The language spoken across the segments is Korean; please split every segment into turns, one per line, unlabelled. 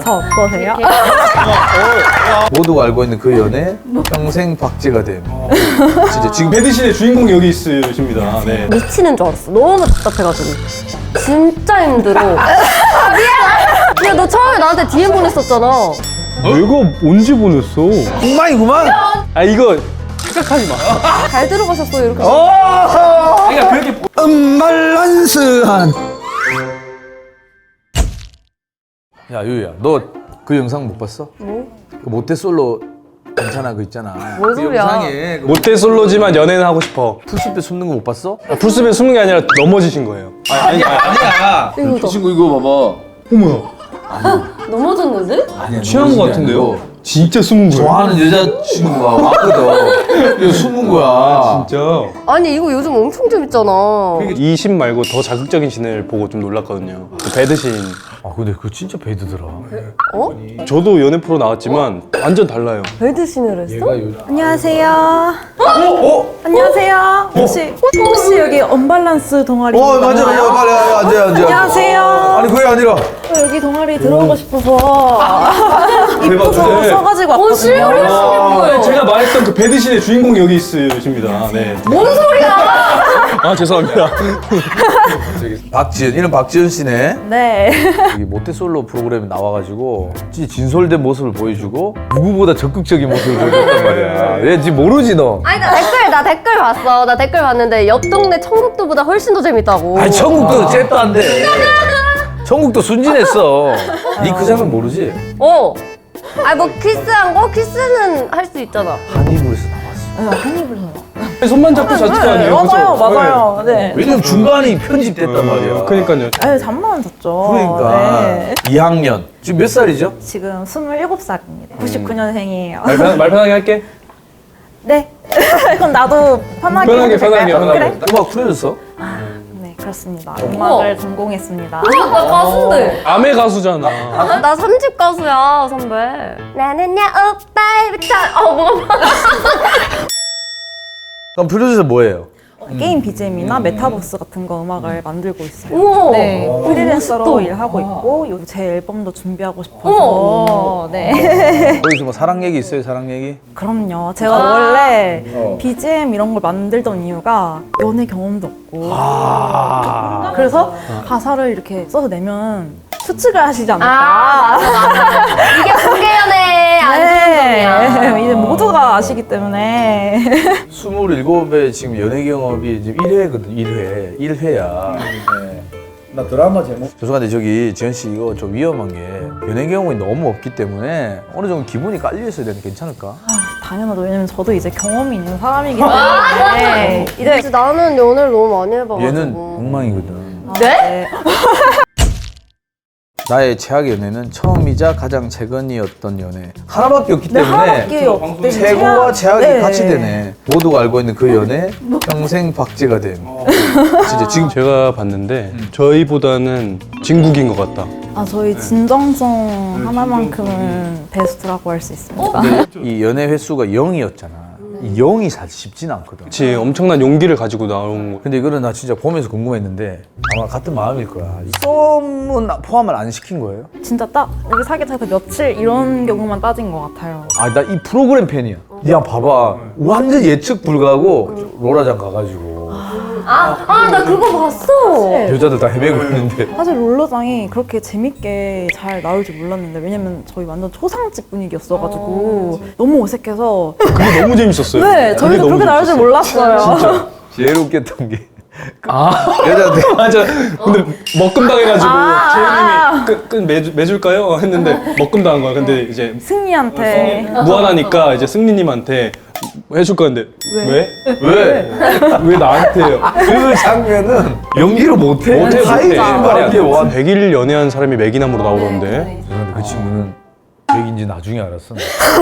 어떠세요?
모두가 알고 있는 그 연애 평생 박제가 됨. 진짜 지금
배드신의 주인공이 여기 있으십니다. 네.
미치는 줄 알았어. 너무 답답해가지고. 진짜 힘들어. 미안. 야, 너 처음에 나한테 DM 보냈었잖아.
내가 언제 보냈어?
엉망이구만.
아 이거 생각하지 마.
잘 들어가셨어요, 이렇게.
그러니까 그렇게
음발란스한. 야 유야, 너 그 영상 못 봤어?
뭐?
그 모태솔로 괜찮아 그 있잖아.
뭔
그
소리야.
영상에 그
모태솔로지만 연애는 하고 싶어.
풀숲에 숨는 거 못 봤어?
풀숲에 숨는 게 아니라 넘어지신 거예요.
아니야.
이거다.
친구 이거 봐봐.
어머야.
넘어졌는데?
아니야.
취한 거 같은데요? 진짜 숨은 거예요?
좋아하는 여자친구가 왔거든. 이거 숨은 거야.
진짜.
아니, 이거 요즘 엄청 재밌잖아.
이 신 말고 더 자극적인 신을 보고 좀 놀랐거든요. 그 배드신.
아 근데 그거 진짜 베드더라.
어?
저도 연애 프로 나왔지만 완전 달라요.
배드신을 했어?
안녕하세요. 안녕하세요. 혹시 여기 언밸런스 동아리
맞아. 빨리 앉아.
안녕하세요.
아니 그게 아니라.
여기 동아리 들어오고 싶어서 이뻐서
네.
써가지고
뭔 실물이
왔거든요.
제가 말했던 그 배드신의 주인공이 여기 있으십니다. 네.
뭔 소리야!
아 죄송합니다.
박지은, 이름 박지은 씨네.
네.
여기 모태솔로 프로그램에 나와가지고 진짜 진솔된 모습을 보여주고 누구보다 적극적인 모습을 보여줬단 말이야. 얘 지금 모르지 너.
아니, 나 댓글 봤어. 나 댓글 봤는데 옆 동네 청국도보다 훨씬 더 재밌다고.
아니 천국도 잽도 안 돼. 천국도 순진했어. 니 그 장면 모르지?
어. 아니, 뭐 키스한 거? 키스는 할 수 있잖아.
한이불에서 나왔어.
한입을 해요.
손만 잡고 자식 아니에요?
맞아요,
그죠?
맞아요. 네.
왜냐면 중간이 편집됐단 말이야.
그러니까요.
아유, 잠만 잤죠.
그러니까
네.
2학년. 지금 몇 살이죠?
지금 27살입니다. 99년생이에요.
말 편하게 할게.
네. 그럼 나도 편하게
편하게,
해도 될까요?
편하게.
그래?
음악 풀어줬어?
네, 그렇습니다. 음악을 전공했습니다.
나 가수인데.
아메 가수잖아.
나 3집 가수야, 선배. 나는야, 오빠부터. 뭐가
그럼 프로듀서 뭐예요?
게임 BGM이나 메타버스 같은 거 음악을 만들고 있어요.
우와.
네, 프리랜서로
멋있다.
일하고 있고 요즘 제 앨범도 준비하고 싶어서
어머.
네.
거기서 뭐 사랑 얘기 있어요? 사랑 얘기?
그럼요. 제가 원래 BGM 이런 걸 만들던 이유가 연애 경험도 없고 그래서 가사를 이렇게 써서 내면 추측을 하시지 않을까.
이게 공개연애 안정성이야.
네, 이제 모두가 아시기 때문에
27에 지금 연애 경험이 지금 1회거든, 1회야. 네.
나 드라마 제목
죄송한데 저기 지현 씨 이거 좀 위험한 게 연애 경험이 너무 없기 때문에 어느 정도 기분이 깔려 있어야 되는데 괜찮을까?
당연하죠. 왜냐면 저도 이제 경험이 있는 사람이기 때문에 이제
나는 연애를 너무 많이 해봐가지고.
얘는 엉망이거든.
네?
네.
나의 최악의 연애는 처음이자 가장 최근이었던 연애. 하나밖에 없기
네,
때문에
하나밖에 없기 때문에
최고와 최악이
네.
같이 되네. 모두가 알고 있는 그 연애 평생 박제가 됨. 진짜 지금
제가 봤는데 저희보다는 진국인 것 같다.
아, 저희 진정성 하나만큼은 베스트라고 할 수 있습니다.
이 연애 횟수가 0이었잖아. 이 0이 사실 쉽지는 않거든.
그치, 엄청난 용기를 가지고 나온 거.
근데 이거는 나 진짜 보면서 궁금했는데 아마 같은 마음일 거야. 썸은 포함을 안 시킨 거예요?
진짜 딱 우리 사귀어서 며칠 이런 경우만 따진 것 같아요.
아, 나 이 프로그램 팬이야. 야, 봐봐. 완전 예측 불가하고 롤라장 가가지고
나 그거 봤어.
여자들 다 헤매고 있는데.
사실 롤러장이 그렇게 재밌게 잘 나올 줄 몰랐는데 왜냐면 저희 완전 초상집 분위기였어가지고 너무 어색해서
그게 너무 재밌었어요.
네, 저희도 그렇게 나올 줄 몰랐어요.
제일 웃겼던 게
아,
여자한테
맞아. 근데 먹금 당해가지고 재현님이 매줄까요? 했는데 먹금 당한 거야. 근데 이제
승리한테
무한하니까 이제 승리님한테 해줄 거는데 왜?
왜?
왜 나한테요?
그 장면은 연기를 못해.
못해.
말이 안 돼.
100일 연애한 사람이 매기남으로 나오던데.
그런데 그 친구는 백인지 나중에 알았어.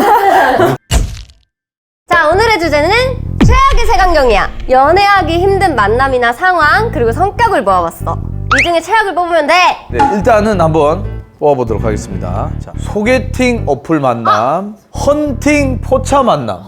자, 오늘의 주제는 최악의 색안경이야. 연애하기 힘든 만남이나 상황, 그리고 성격을 모아봤어. 이 중에 최악을 뽑으면 돼.
네, 일단은 한번 뽑아보도록 하겠습니다. 자, 소개팅 어플 만남, 헌팅 포차 만남.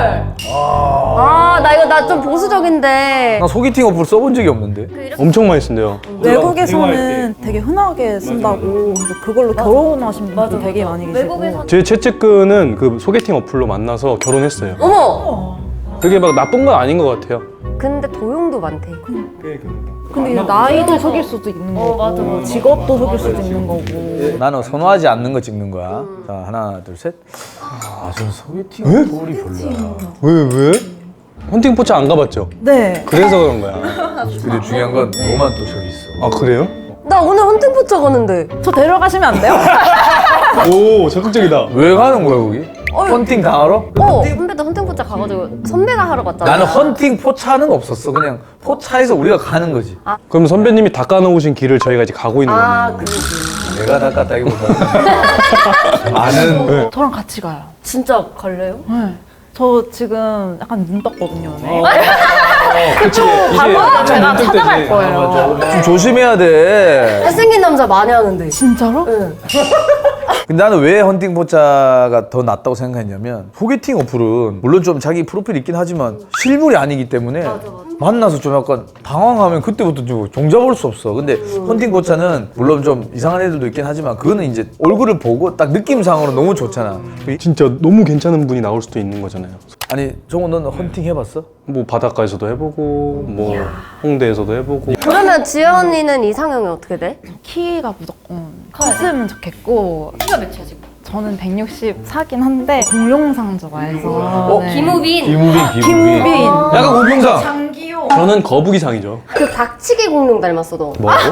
아, 나 좀 보수적인데.
나 소개팅 어플 써본 적이 없는데.
엄청 많이 쓴대요.
외국에서는 되게 흔하게 쓴다고 그래서 그걸로 결혼하신 분들 되게 많이 계시고.
외국에서.
제 최측근은 그 소개팅 어플로 만나서 결혼했어요.
어머!
그게 막 나쁜 건 아닌 것 같아요.
근데 도용도 많대.
근데 이제 나이도 속일 수도 있는 거고
맞아.
직업도 속일 수도 있는 거고.
나는 선호하지 않는 거 찍는 거야. 자, 하나, 둘, 셋. 저는 소개팅 어플이 별로야.
왜? 헌팅 포차 안 가봤죠?
네.
그래서 그런 거야.
근데 중요한 건 너만 또 저기 있어.
아 그래요?
나 오늘 헌팅 포차 가는데.
저 데려가시면 안 돼요?
오 적극적이다.
왜 가는 거야, 거기? 헌팅 당하러?
선배도 헌팅 포차 가가지고 선배가 하러 갔잖아.
나는 헌팅 포차는 없었어. 그냥 포차에서 우리가 가는 거지.
그럼 선배님이 닦아놓으신 길을 저희가 이제 가고 있는 거네요.
그러지.
내가 닦았다기보다 많은
저랑 같이 가요.
진짜 갈래요?
네. 저 지금 약간 눈 떴거든요. 네.
그치.
바로 제가
눈뜰
찾아갈
때지.
거예요.
좀 조심해야 돼.
잘생긴 남자 많이 하는데.
진짜로?
응.
근데 나는 왜 헌팅 포차가 더 낫다고 생각했냐면 소개팅 어플은 물론 좀 자기 프로필 있긴 하지만 실물이 아니기 때문에 만나서 좀 약간 당황하면 그때부터 좀 종잡을 수 없어. 근데 헌팅 포차는 물론 좀 이상한 애들도 있긴 하지만 그거는 이제 얼굴을 보고 딱 느낌상으로 너무 좋잖아.
진짜 너무 괜찮은 분이 나올 수도 있는 거잖아요.
아니 정우 너는 헌팅 해봤어?
뭐 바닷가에서도 해보고 뭐 홍대에서도 해보고.
그러면 지연 언니는 이상형이 어떻게 돼?
키가 무조건 컸으면 좋겠고. 키가 몇이야 지금? 저는 164긴 한데 공룡상 좋아해서. 네.
김우빈.
김우빈.
약간 우병상.
장기호.
저는 거북이상이죠.
그 박치기 공룡 닮았어 너.
뭐라고?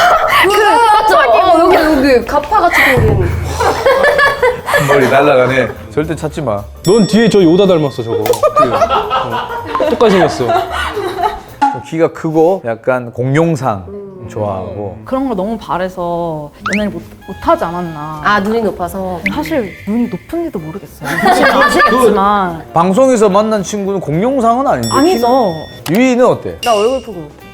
여기 가파같이 생긴.
머리 날라가네. 절대 찾지 마.
넌 뒤에 저 요다 닮았어 저거. 똑같이 생겼어.
좀 키가 크고 약간 공룡상 좋아하고.
그런 걸 너무 바래서 연애를 못하지 않았나.
아 눈이 높아서.
사실 눈이 높은지도 모르겠어요. 아시겠지만.
방송에서 만난 친구는 공룡상은 아닌데.
아니죠.
유이는 어때?
나 얼굴 보기 못해.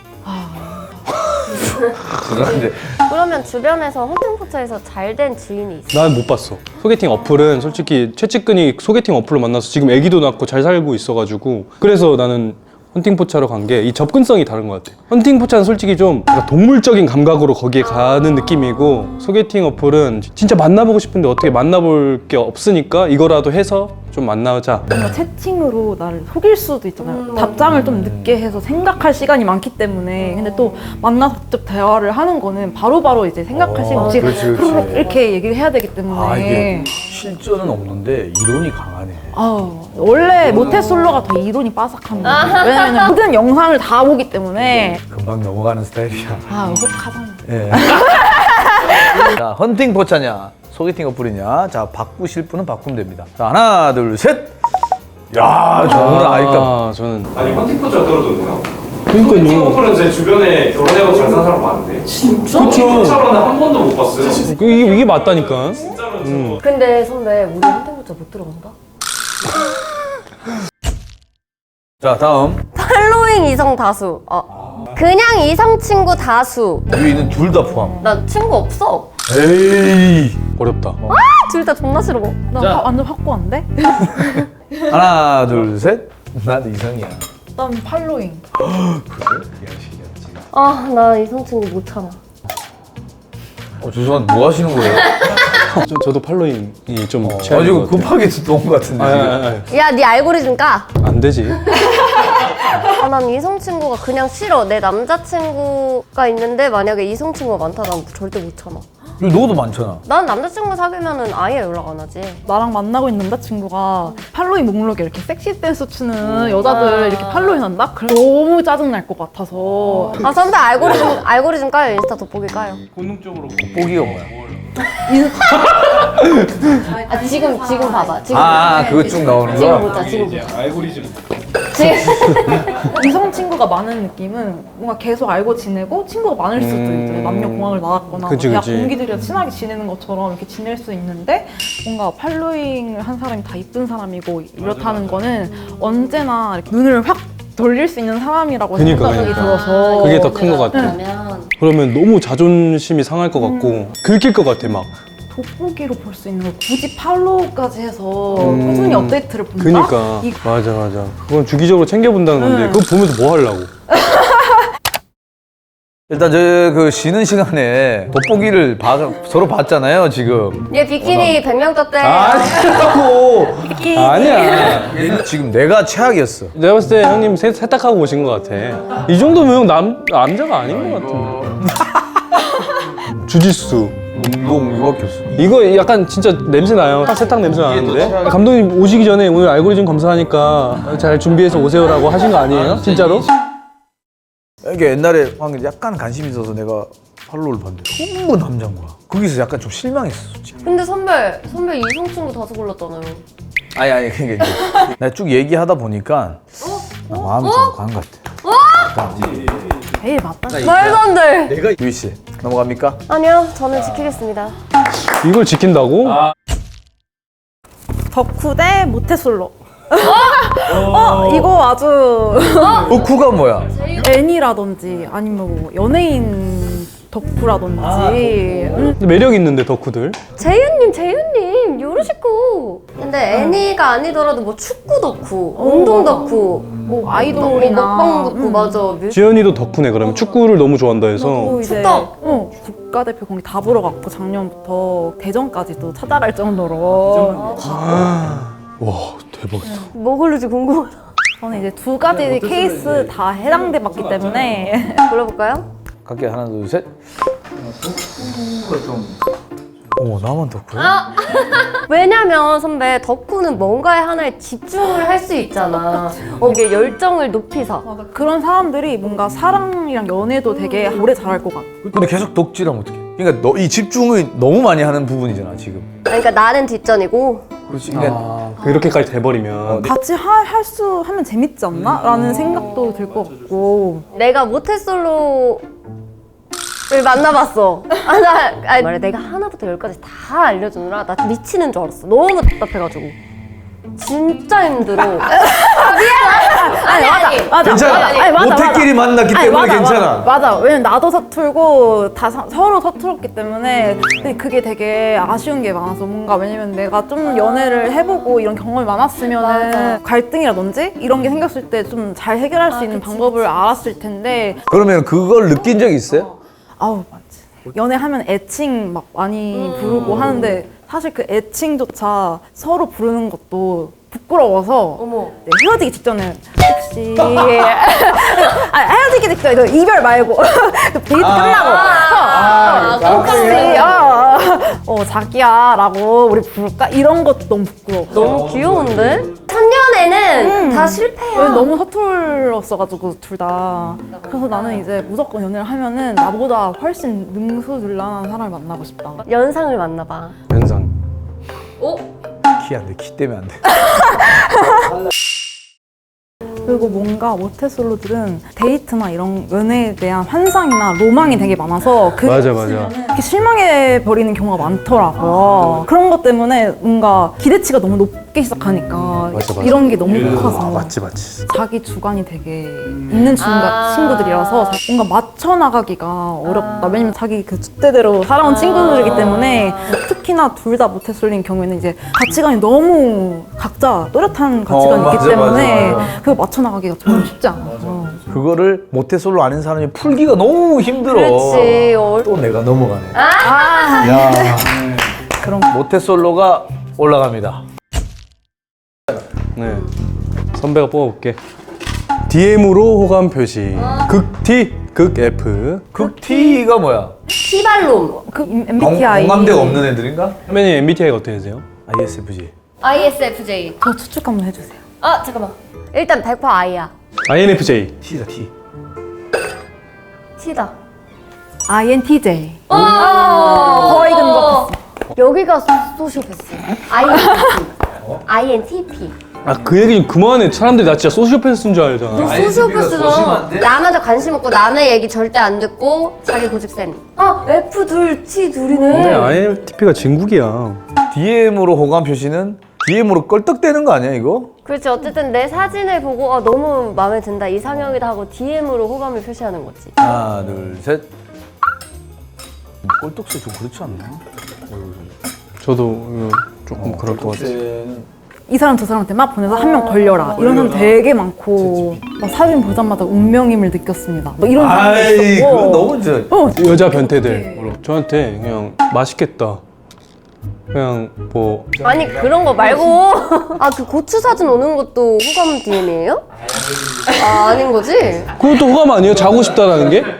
죄송한데.
그러면 주변에서 헌팅 포차에서 잘 된 지인이 있어?
난 못 봤어. 소개팅 어플은 솔직히 최측근이 소개팅 어플로 만나서 지금 애기도 낳고 잘 살고 있어가지고 그래서 나는 헌팅 포차로 간 게 이 접근성이 다른 것 같아. 헌팅 포차는 솔직히 좀 약간 동물적인 감각으로 거기에 가는 느낌이고 소개팅 어플은 진짜 만나보고 싶은데 어떻게 만나볼 게 없으니까 이거라도 해서 좀 만나자.
뭔가 채팅으로 나를 속일 수도 있잖아요. 답장을 좀 늦게 해서 생각할 시간이 많기 때문에. 근데 또 만나서 직접 대화를 하는 거는 바로바로 이제 생각할 시간 없이
그렇지, 그렇지.
후루룩 이렇게 얘기를 해야 되기 때문에.
아 이게 실전은 없는데 이론이 강하네.
원래 모태솔로가 더 이론이 빠삭합니다. 왜냐면 모든 영상을 다 보기 때문에.
금방 넘어가는 스타일이야.
의혹하잖아.
예. 자, 헌팅 포차냐, 소개팅 어플이냐. 자, 바꾸실 분은 바꾸면 됩니다. 자, 하나, 둘, 셋. 야, 저는 아이까.
저는
아니 헌팅 포차가 떨어졌네요.
그러니까요.
헌팅 어플은 제 주변에 결혼해서 잘 사는 사람 많은데 진짜? 헌팅 포차로는 한 번도 못 봤어요.
이게 맞다니까.
진짜로
근데 선배 우리 헌팅 포차 못 들어간다?
자, 다음.
팔로잉 이성 다수. 그냥 이성 친구 다수.
유이는 둘 다 포함.
나 친구 없어.
에이.
어렵다.
둘 다 존나 싫어.
나 완전 확고한데?
하나, 둘, 셋. 나도 이상이야.
난 팔로잉.
나 이성 친구 못 참아.
죄송한데 뭐 하시는 거예요?
저도 팔로잉이 좀
아,
취향인
지금
것 같아요.
급하게 들어온 것 같은데. 지금.
야, 네 알고리즘 까.
안 되지.
난 이성 친구가 그냥 싫어. 내 남자친구가 있는데 만약에 이성 친구가 많다, 난 절대 못 참아.
너도 많잖아.
난 남자친구 사귀면은 아예 연락 안 하지.
나랑 만나고 있는 남자친구가 팔로잉 목록에 이렇게 섹시 댄스 추는 여자들 이렇게 팔로잉 한다? 그래 너무 짜증날 것 같아서.
선배 알고리즘 까요? 인스타 돋보기 까요?
돋보기가 뭐야?
지금 봐봐. 지금
그거 쭉 나오는
지금
거야?
보자. 지금 보자.
알고리즘.
이성 친구가 많은 느낌은 뭔가 계속 알고 지내고 친구가 많을 수도 있잖아요. 남녀 공학을 나왔거나
그치,
대학
그치.
동기들이랑 친하게 지내는 것처럼 이렇게 지낼 수 있는데 뭔가 팔로잉을 한 사람이 다 이쁜 사람이고 이렇다는 거는 언제나 이렇게 눈을 확 돌릴 수 있는 사람이라고
그니까,
생각이
그니까.
들어서
그게 더 큰 것 같아.
그러면
그러면 너무 자존심이 상할 것 같고 긁힐 것 같아 막.
돋보기로 볼 수 있는 걸 굳이 팔로우까지 해서 꾸준히 업데이트를 본다?
그니까 맞아. 그건 주기적으로 챙겨본다는 건데 그거 보면서 뭐 하려고?
일단 저 그 쉬는 시간에 돋보기를 서로 봤잖아요 지금.
얘 비키니 100명 떴대.
아니라고.
아니야.
지금 내가 최악이었어.
내가 봤을 때 형님 세탁하고 오신 것 같아. 이 정도면 형 남자가 아닌 것 같은데. 주짓수.
운동 이거밖에 없어.
이거 약간 진짜 냄새 나요. 세탁 냄새 나는데? 감독님 오시기 전에 오늘 알고리즘 검사하니까 잘 준비해서 오세요라고 하신 거 아니에요? 진짜로?
이게 옛날에 방금 약간 관심이 있어서 내가 팔로우를 봤는데 전부 남자인 거야. 거기서 약간 좀 실망했어. 솔직히.
근데 선배 이성 친구 다섯 골랐잖아요.
아니 그러니까 이게 내가 쭉 얘기하다 보니까 나 마음이 좀 간 것 같아.
제일 맞다.
말도 안 돼.
내가 유희 씨 넘어갑니까?
아니요, 저는 지키겠습니다.
이걸 지킨다고?
덕후 대 모태솔로. 이거 아주
덕후가 뭐야?
애니라든지 아니면 뭐 연예인 덕후라든지
근데 매력 있는데 덕후들.
재윤님 요러시고. 근데 애니가 아니더라도 뭐 축구 덕후, 운동 덕후, 뭐
아이돌이나
먹방 덕후 맞아.
지연이도 덕후네 그러면 축구를 너무 좋아한다 해서.
또 이제
축덕.
국가대표 경기 다 보러 갔고 작년부터 대전까지도 찾아갈 정도로
와 대박이다.
뭐 고를지 궁금하다.
저는 이제 두 가지 케이스 다 해당돼 봤기 때문에
골라볼까요?
갈게 하나 둘 셋. 오 나만 덕후야?
왜냐면 선배 덕후는 뭔가에 하나에 집중을 할 수 있잖아. 이게 열정을 높이서.
그런 사람들이 뭔가 사랑이랑 연애도 되게 오래 잘할 것 같아.
근데 계속 덕질하면 어떡해? 그러니까 너 이 집중을 너무 많이 하는 부분이잖아 지금.
그러니까 나는 뒷전이고.
그렇지. 그러니까
그렇게까지 돼버리면.
같이 하면 재밌지 않나? 라는 생각도 들 것 같고.
내가 모태솔로를 만나봤어. 말해 내가 하나부터 열까지 다 알려주느라 나 미치는 줄 알았어. 너무 답답해가지고. 진짜 힘들어.
맞아.
괜찮아.
아니, 맞아,
모태끼리 만났기
아니,
때문에
맞아,
괜찮아.
맞아. 왜냐면 나도 서툴고 다 서로 서툴었기 때문에 근데 그게 되게 아쉬운 게 많아서 뭔가 왜냐면 내가 좀 연애를 해보고 이런 경험이 많았으면은
맞아.
갈등이라든지 이런 게 생겼을 때 좀 잘 해결할 수 있는 방법을 알았을 텐데
그러면 그걸 느낀 적 있어요?
아우 맞지. 연애하면 애칭 막 많이 부르고 하는데 사실 그 애칭조차 서로 부르는 것도 부끄러워서
어머.
네, 헤어지기 직전에 혹시 헤어지기 직전에 너 이별 말고 데이트 끝나고 혹시 자기야 라고 우리 부를까? 이런 것도 너무 부끄러워.
너무 귀여운데? 첫년에는 다 실패야.
왜 너무 서툴렀어가지고 둘 다. 그래서 나는 이제 무조건 연애를 하면은 나보다 훨씬 능수능란한 사람을 만나고 싶다.
연상을 만나봐.
연상.
키 안 돼. 키 때문에 안 돼.
그리고 뭔가 모태솔로들은 데이트나 이런 연애에 대한 환상이나 로망이 되게 많아서
맞아.
이렇게 실망해 버리는 경우가 많더라고요. 그런 것 때문에 뭔가 기대치가 너무 높게 시작하니까
맞아.
이런 게 너무 커서
맞지.
자기 주관이 되게 있는 친구들이라서 뭔가 맞춰 나가기가 어렵다. 왜냐면 자기 그 줏대대로 살아온 친구들이기 때문에 특히나 둘 다 모태솔로인 경우에는 이제 가치관이 너무 각자 또렷한 가치관이 있기
맞아,
때문에
맞아.
그걸 맞춰 나가기가 정말 쉽지 않아서.
그거를 모태솔로 아닌 사람이 풀기가 너무 힘들어.
그렇지.
또 내가 넘어가네.
아,
야,
그런
모태솔로가 올라갑니다.
네. 선배가 뽑아볼게. DM으로 호감 표시. 극 T, 극 F.
극 T가 뭐야?
티발롬.
그 MBTI
공감대가 없는 애들인가?
선배님 MBTI가 어떻게 되세요?
ISFJ.
ISFJ.
저 추측 한번 해주세요.
잠깐만. 일단 100% I야.
INFJ.
T다 T.
T다.
INTJ.
거의 근접했어. 여기가 소시오패스. INTP.
그 얘기 좀 그만해. 사람들이 나 진짜 소시오패스인 줄 알잖아.
너 소시오패스잖아. 남한테 관심 없고 남의 얘기 절대 안 듣고 자기 고집 센. F 둘, T 둘이네.
근데 INFP가 진국이야.
DM으로 호감 표시는 DM으로 껄떡대는 거 아니야 이거?
그렇지. 어쨌든 내 사진을 보고 너무 마음에 든다, 이상형이다 하고 DM으로 호감을 표시하는 거지.
하나, 둘, 셋. 꼴떡새 좀 그렇지 않나?
저도 조금 그럴 것 같아요.
이 사람 저 사람한테 막 보내서 한 명 걸려라 이런 사람 되게 많고 막 사진 보자마자 운명임을 느꼈습니다. 뭐 이런 사람도
아이,
있었고.
그건 너무 저.
여자 변태들 저한테 그냥 맛있겠다. 그냥 뭐
아니 그런 거 말고 그 고추 사진 오는 것도 호감 DM이에요? 아닌 거지?
그것도 호감 아니에요? 자고 싶다라는 게?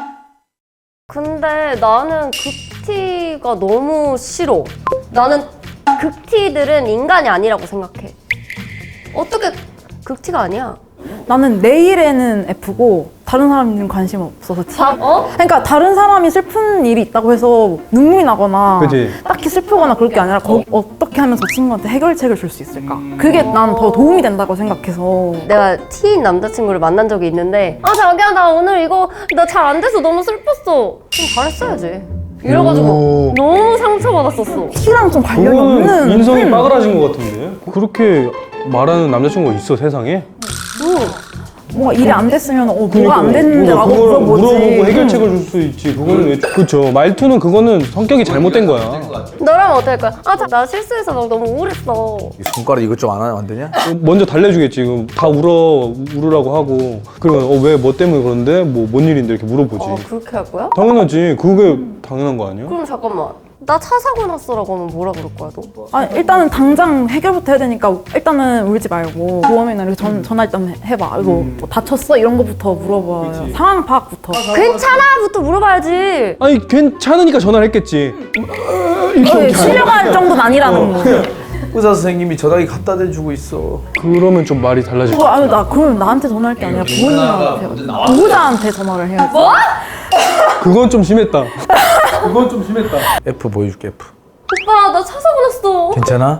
근데 나는 극티가 너무 싫어. 나는 극티들은 인간이 아니라고 생각해. 어떻게 극티가 아니야?
나는 내일에는 F고 다른 사람들은 관심 없어서 T. 그러니까 다른 사람이 슬픈 일이 있다고 해서 눈물이 나거나
그치.
딱히 슬프거나 그럴 게 아니라 어떻게 하면 저 친구한테 해결책을 줄 수 있을까? 그게 난 더 도움이 된다고 생각해서.
내가 T인 남자친구를 만난 적이 있는데 자기야 나 오늘 이거 나 잘 안 돼서 너무 슬펐어. 좀 잘했어야지. 이래가지고 너무 상처받았었어.
T랑 좀 관련이
그거는
없는
인성이 빠그라진 것 같은데? 그렇게 말하는 남자친구가 있어 세상에?
뭔가 일이 안 됐으면 뭐가 안 됐는데 라고
그걸
물어보지.
물어보고 해결책을 줄 수 있지. 그거는 왜 그쵸. 말투는 그거는 성격이 잘못된 거야.
너라면 어떨 거야? 나 실수해서 막 너무 우울했어.
이 손가락 이것 좀 안 되냐?
먼저 달래주겠지. 지금 다 울으라고 하고. 그러면 왜 뭐 때문에 그런데 뭔 일인데 이렇게 물어보지.
그렇게 할 거야?
당연하지. 그게 당연한 거 아니야?
그럼 잠깐만. 나 차 사고 났어라고 하면 뭐라 그럴 거야 너?
일단은 당장 해결부터 해야 되니까 일단은 울지 말고 보험이나 이렇게 전화 일단 해봐. 이거 뭐 다쳤어? 이런 거부터 물어봐요. 상황 파악부터.
괜찮아부터 물어봐야지.
아니 괜찮으니까 전화를 했겠지.
실려갈 정도는 아니라는 거.
의사 선생님이 전화기 갖다 대주고 있어.
그러면 좀 말이 달라질 거야.
그럼 나한테 전화할 게 아니라 부모님한테, 보호자한테 전화를 해야지. 뭐?
그건 좀 심했다. 그건 좀 심했다.
F 보여줄게, F.
오빠 나 차 사고 났어.
괜찮아?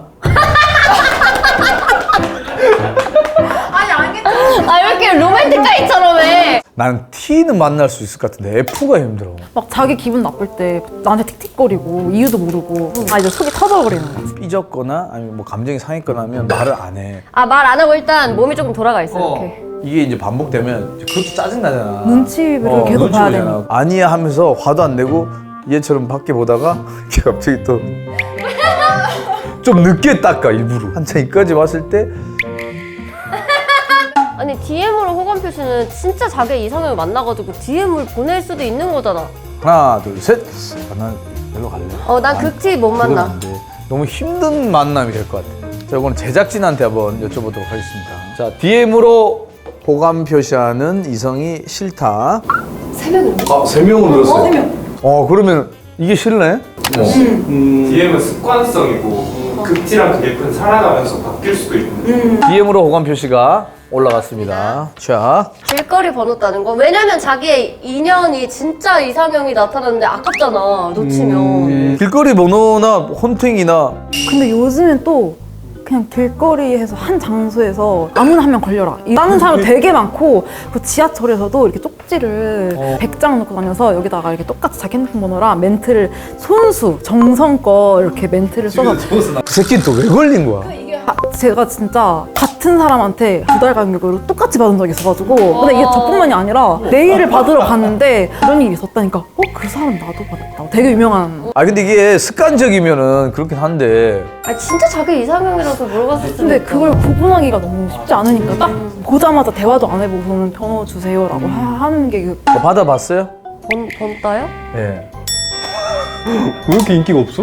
왜 이렇게 로맨틱가이처럼 해?
난 T는 만날 수 있을 것 같은데 F가 힘들어.
막 자기 기분 나쁠 때 나한테 틱틱거리고 이유도 모르고 이제 속이 터져버리는 거지.
삐졌거나 아니면 뭐 감정이 상했거나 하면 말을 안 해.
말 안 하고 일단 몸이 조금 돌아가 있어 이렇게.
이게 이제 반복되면 그것도 짜증나잖아.
눈치를 계속 봐야
보잖아.
되니까.
아니야 하면서 화도 안 내고 얘처럼 밖에 보다가 걔 갑자기 또 좀 늦게 닦아 일부러. 한참 이까지 왔을 때
아니 DM으로 호감 표시는 진짜 자기 이상형을 만나가지고 DM을 보낼 수도 있는 거잖아.
하나 둘 셋. 난 별로 갈래.
난 극티 못
그건
만나.
안 돼. 너무 힘든 만남이 될 것 같아. 자, 이거는 제작진한테 한번 여쭤보도록 하겠습니다. 자, DM으로 호감 표시하는 이성이 싫다. 3명이요? 아, 3명으로 늘었어요? 3명. 그러면 이게 싫네?
DM은 습관성이고 극티랑 그게 큰 살아가면서 바뀔 수도 있는데
DM으로 호감 표시가 올라갔습니다. 자,
길거리 번호 따는 거. 왜냐면 자기의 인연이 진짜 이상형이 나타났는데 아깝잖아 놓치면.
길거리 번호나 혼팅이나
근데 요즘엔 또 그냥 길거리에서 한 장소에서 아무나 한 명 걸려라 이라는 사람 되게 많고 그 지하철에서도 이렇게 쪽지를 100장 놓고 다녀서 여기다가 이렇게 똑같이 자기 핸드폰 번호랑 멘트를 손수 정성껏 이렇게 멘트를 써서
그 새끼는 또 왜 걸린 거야?
제가 진짜 같은 사람한테 2달 간격으로 똑같이 받은 적이 있어가지고 근데 이게 저뿐만이 아니라 내일을 받으러 갔는데 그런 일이 있었다니까 그 사람 나도 받았다 되게 유명한.
근데 이게 습관적이면은 그렇긴 한데
진짜 자기 이상형이라서 물어봤을 때.
근데 그걸 구분하기가 너무 쉽지 않으니까 딱 보자마자 대화도 안 해보고는 번호 주세요라고 하는 게
받아봤어요?
번 따요?
예.
왜 이렇게 인기가 없어?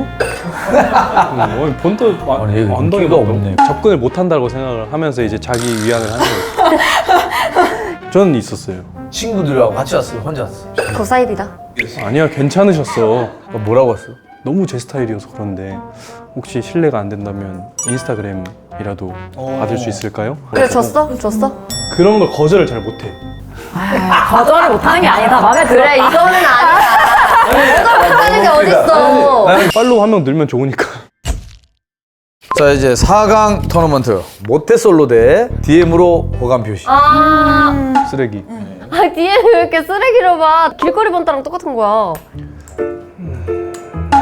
본도
아니, 얘가
안
인기가 없네.
접근을 못 한다고 생각을 하면서 이제 자기 위안을 하는 거지. 저는 있었어요.
친구들하고 같이 왔어요? 혼자 왔어요?
그 사이비다.
아니야 괜찮으셨어.
뭐라고 왔어?
너무 제 스타일이어서 그런데 혹시 실례가 안 된다면 인스타그램이라도 받을 수 있을까요?
그래 줬어?
그런 걸 거절을 잘 못해.
거절을 못하는 게 아니다 마음에 들어.
그래 이거는 아니다. 거절 못하는 게 어딨어.
팔로우 한 명 늘면 좋으니까.
자, 이제 4강 토너먼트 모태솔로 대 DM으로 호감 표시.
쓰레기.
DM 왜 이렇게 쓰레기로 봐. 길거리 번따랑 똑같은 거야.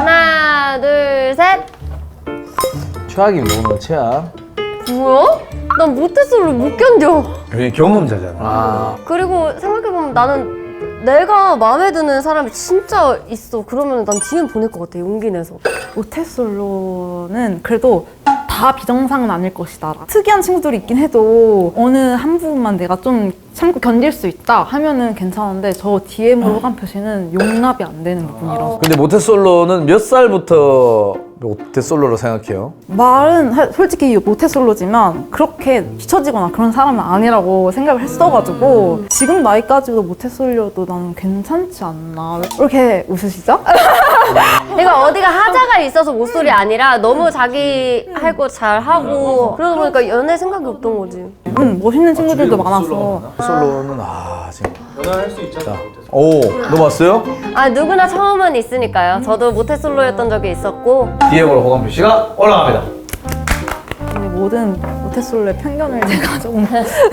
하나 둘 셋.
최악입니다 오늘 최악.
뭐야? 난 모태솔로 못 견뎌.
그게 경험자잖아.
그리고 생각해보면 나는 내가 마음에 드는 사람이 진짜 있어. 그러면 난 DM 보낼 것 같아. 용기 내서.
모태솔로는 그래도 다 비정상은 아닐 것이다. 특이한 친구들이 있긴 해도 어느 한 부분만 내가 좀 참고 견딜 수 있다 하면은 괜찮은데 저 DM으로 호감 표시는 용납이 안 되는 부분이라서.
근데 모태솔로는 몇 살부터 모태솔로로 생각해요?
말은 솔직히 모태솔로지만 그렇게 뒤처지거나 그런 사람은 아니라고 생각을 했어가지고 지금 나이까지도 모태솔로도 나는 괜찮지 않나. 왜 이렇게 웃으시죠?
그러니까 어디가 하자가 있어서 못소리 아니라 너무 자기 할 거 잘 하고 그러다 보니까 연애 생각이 없던 거지.
멋있는 친구들도 많아서.
솔로는 지금 연애할 수 있잖아. 오, 너 봤어요?
아 누구나 처음은 있으니까요. 저도 모태솔로였던 적이 있었고.
DM으로 호감 표시가 올라갑니다.
근데 모든 모태솔로의 편견을 제가 좀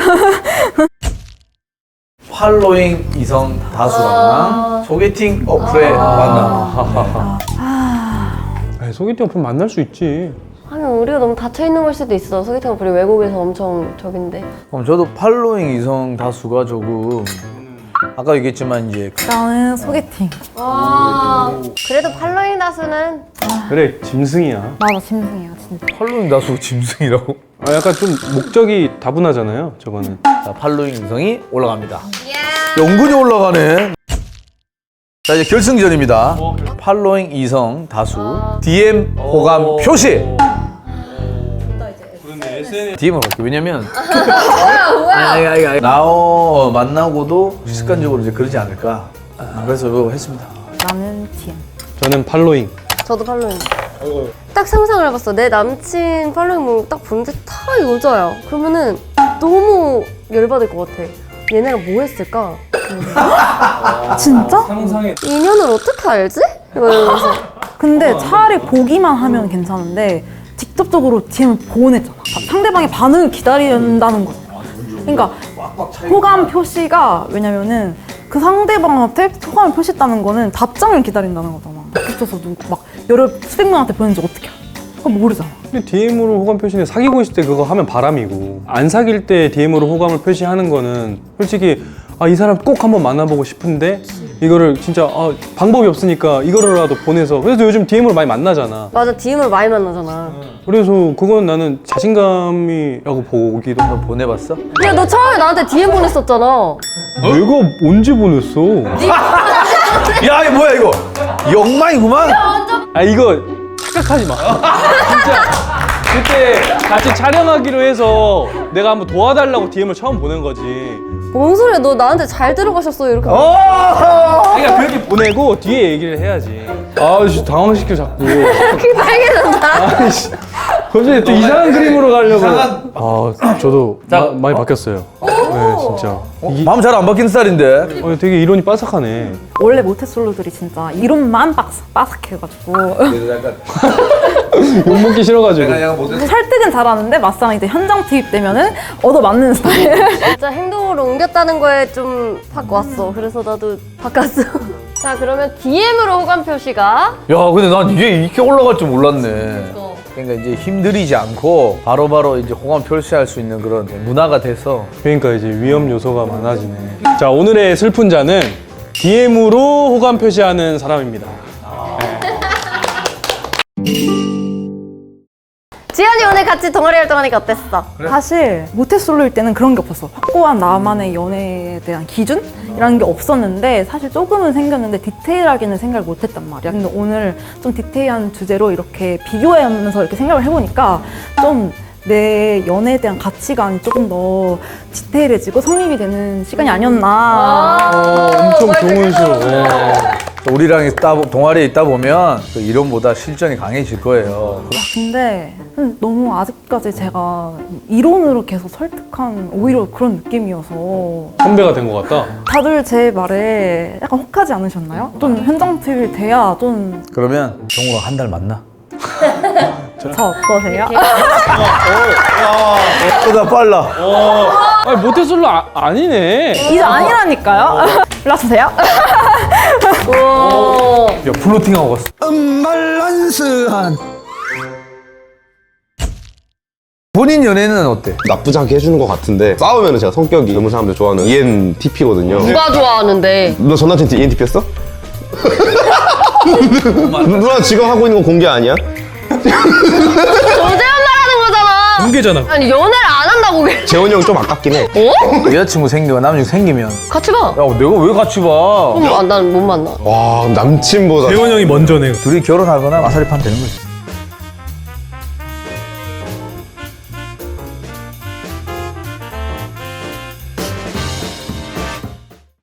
팔로잉 이성 다수랑 소개팅 어플의 만남.
아니, 소개팅 어플 만날 수 있지.
하면 우리가 너무 닫혀 있는 걸 수도 있어. 소개팅 어플이 외국에서 엄청 적인데.
그럼 저도 팔로잉 이성 다수가 조금 아까 얘기했지만 이제
나는 소개팅.
그래도 팔로잉 다수는
그래, 짐승이야.
맞아, 짐승이야 진짜.
팔로잉 다수 짐승이라고?
아, 약간 좀 목적이 다분하잖아요, 저거는.
자, 팔로잉 이성이 올라갑니다. 연근이 올라가네. 자, 이제 결승전입니다. 팔로잉 이성 다수 DM 호감 표시. DM으로 갈게. 왜냐면 아니. 만나고도 습관적으로 이제 그러지 않을까. 그래서 이거 했습니다.
나는 DM.
저는 팔로잉.
저도 팔로잉. 딱 상상을 해봤어. 내 남친 팔로잉 딱 보는데 다 여자야. 그러면은 너무 열받을 것 같아. 얘네가 뭐 했을까?
진짜?
인연을 어떻게 알지? 이러면서.
근데 차라리 보기만 하면 괜찮은데 직접적으로 DM을 보내잖아. 상대방의 반응을 기다린다는 거잖아. 그러니까 호감 표시가 왜냐면은 그 상대방한테 호감을 표시했다는 거는 답장을 기다린다는 거잖아. 붙여서 막 여러 수백 명한테 보냈는지 어떻게 알아? 그거 모르잖아.
근데 DM으로 호감 표시는 사귀고 있을 때 그거 하면 바람이고, 안 사귈 때 DM으로 호감을 표시하는 거는 솔직히 이 사람 꼭 한번 만나보고 싶은데 이거를 진짜 방법이 없으니까 이거라도 보내서. 그래서 요즘 DM으로 많이 만나잖아.
맞아, DM으로 많이 만나잖아.
그래서 그건 나는 자신감이라고 보기도 하고.
보내봤어?
야, 너 처음에 나한테 DM 보냈었잖아.
내가 언제 보냈어?
야, 이거 뭐야 이거? 엉망이구만.
이거 착각하지 마. 진짜 그때 같이 촬영하기로 해서 내가 한번 도와달라고 DM을 처음 보낸 거지.
뭔 소리야, 너 나한테 잘 들어가셨어 이렇게.
그러니까 그렇게 보내고 뒤에 얘기를 해야지. 아씨, 당황시켜 자꾸.
그게 빨개졌다.
아이씨, 갑자기 또 이상한 그림으로 가려고. 저도 많이 바뀌었어요. 네, 진짜.
마음 잘 안 바뀌는 스타일인데.
되게 이론이 빠삭하네.
원래 모태솔로들이 진짜 이론만 빠삭해가지고
욕먹기 싫어가지고.
설득은 잘하는데 막상 이제 현장 투입되면은 얻어맞는 스타일.
진짜 행동으로 옮겼다는 거에 좀 확 왔어. 그래서 나도 바꿨어. 자, 그러면 DM으로 호감 표시가.
야, 근데 난 이게 이렇게 올라갈 줄 몰랐네. 그러니까 이제 힘들이지 않고 바로바로 이제 호감 표시할 수 있는 그런 문화가 돼서.
그러니까 이제 위험 요소가 많아지네. 자, 오늘의 슬픈 자는 DM으로 호감 표시하는 사람입니다.
지연이 오늘 같이 동아리 활동하니까 어땠어?
사실 모태솔로일 때는 그런 게 없었어. 확고한 나만의 연애에 대한 기준이라는 게 없었는데 사실 조금은 생겼는데 디테일하게는 생각을 못했단 말이야. 근데 오늘 좀 디테일한 주제로 이렇게 비교하면서 이렇게 생각을 해보니까 좀 내 연애에 대한 가치관이 조금 더 디테일해지고 성립이 되는 시간이 아니었나.
엄청 좋은 시로.
우리랑 동아리에 있다 보면 그 이론보다 실전이 강해질 거예요.
근데 너무 아직까지 제가 이론으로 계속 설득한 오히려 그런 느낌이어서
선배가 된 것 같다.
다들 제 말에 약간 혹하지 않으셨나요? 좀 현장 투입이 돼야 좀
그러면 정우랑 한 달 만나.
저 어떠세요?
나 빨라.
모태솔로 아니네.
이제 아니라니까요? 일러주세요.
야, 플로팅하고 갔어. 본인 연애는 어때?
나쁘지 않게 해주는 것 같은데 싸우면 제가 성격이 젊은 사람들 좋아하는 ENTP거든요.
누가 좋아하는데?
너 전 남친 ENTP였어? 누나 지금 하고 있는 건 공개 아니야?
조재현 말하는 거잖아.
공개잖아.
아니 연애를 안 한다고 그래.
재원이 형 좀 아깝긴 해.
여자친구 생기거나 남자친구 생기면
같이 가.
야 내가 왜 같이 봐?
그럼 난 못 만나.
와 남친보다
재원 형이 먼저네.
둘이 결혼하거나 마사리 파면 되는 거지.